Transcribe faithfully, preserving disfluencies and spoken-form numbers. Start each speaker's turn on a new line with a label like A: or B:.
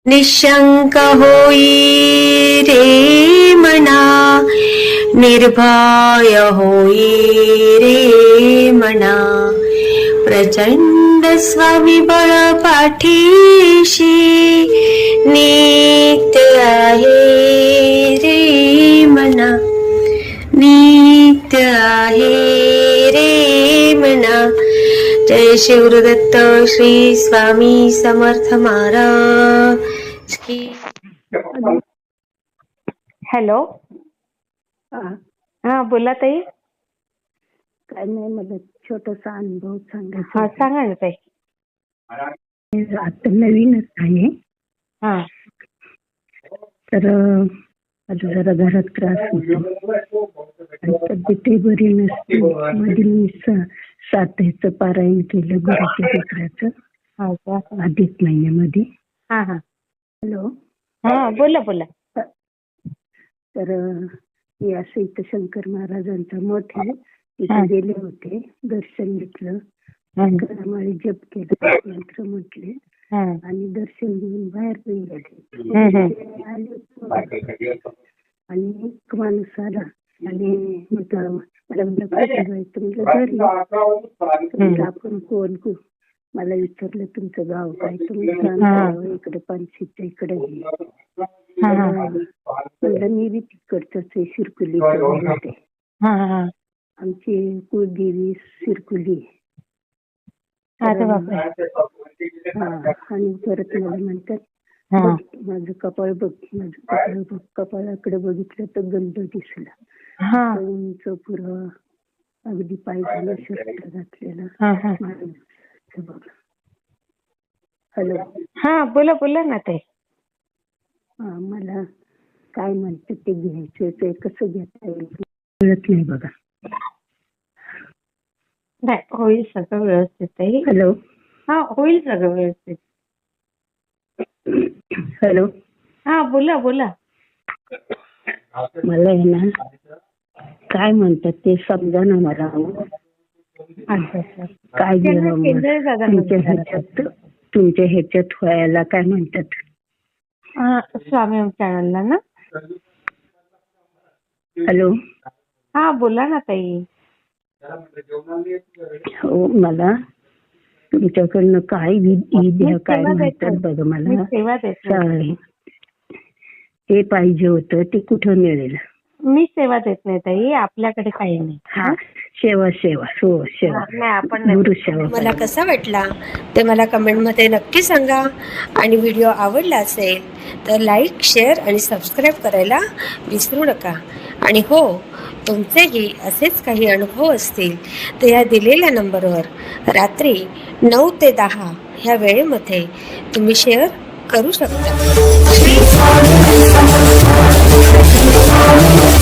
A: निशंक होई रे मना, निर्भय होई रे मना, प्रचंड स्वविबळ पाठीशी नित्य आहे रे मना, नित्य आहे रे मना. जय शिवदत्त श्री स्वामी समर्थ महाराज की. हॅलो, हा बोला ताई.
B: काय नाही, मला छोटासा अनुभव सांगायचा.
A: हा सांगा ना ताई.
B: आता नवीनच आहे.
A: हा
B: तर माझा जरा घरात त्रास होतो आणि तब्येतही बरी नसते. मध्ये मी सातेचं पारायण केलं गुरुच्या चित्राचं अधिक महिन्यामध्ये.
A: हा हा
B: हॅलो,
A: हा बोला बोला.
B: तर मी असं इथं शंकर महाराजांचा मठ आहे, तिथे गेले होते, दर्शन घेतलं, घरामाळे जप केलं, मंत्र म्हटले आणि दर्शन घेऊन बाहेर गेले. आणि एक माणूस आला आणि म्हटलं मला म्हटलं घरी आपण कोण को मला विचारलं तुमचं गाव काय, तुम्ही इकडे पानशीच्या इकडे. म्हणलं मी बी तिकडचंच आहे, शिरकुली. आमची कुलदेवी शिरकुली. आणि परत मला म्हणतात माझं कपाळ बघ, माझं कपाळ बघ. कपाळाकडे बघितलं तर गंध दिसला, उंच पुरं अगदी पायघाला शर्ट घातलेला. हॅलो,
A: हा बोला बोला ना ताई.
B: हा, मला काय म्हणतात ते घ्यायचं, ते कसं घेता येईल कळत नाही बघा.
A: नाही, होईल सगळं व्यवस्थित ताई.
B: हॅलो,
A: हा होईल सगळं व्यवस्थित.
B: हॅलो,
A: हा बोला बोला.
B: मला आहे ना काय म्हणतात ते समजा ना मला. काय तुमच्या ह्याच्यात तुमच्या ह्याच्यात व्हायला काय म्हणतात?
A: स्वामी चॅनलला ना.
B: हॅलो,
A: हा बोला ना ताई.
B: हो, मला तुमच्याकडनं काय विधी काय म्हणतात बघा, मला ते पाहिजे होतं. ते कुठं मिळेल?
A: मी सेवा देत नाही ताई, आपल्याकडे काही नाही.
B: हा, सेवा सेवा हो सेवा
A: नाही, आपण
B: गुरु सेवा.
A: मला कसा वाटला ते मला कमेंटमध्ये नक्की सांगा. आणि व्हिडिओ आवडला असेल तर लाईक, शेअर आणि सबस्क्राईब करायला विसरू नका. आणि हो, तुमचेही असेच काही अनुभव असतील तर या दिलेल्या नंबरवर रात्री नऊ ते दहा ह्या वेळेमध्ये तुम्ही शेअर करू शकता.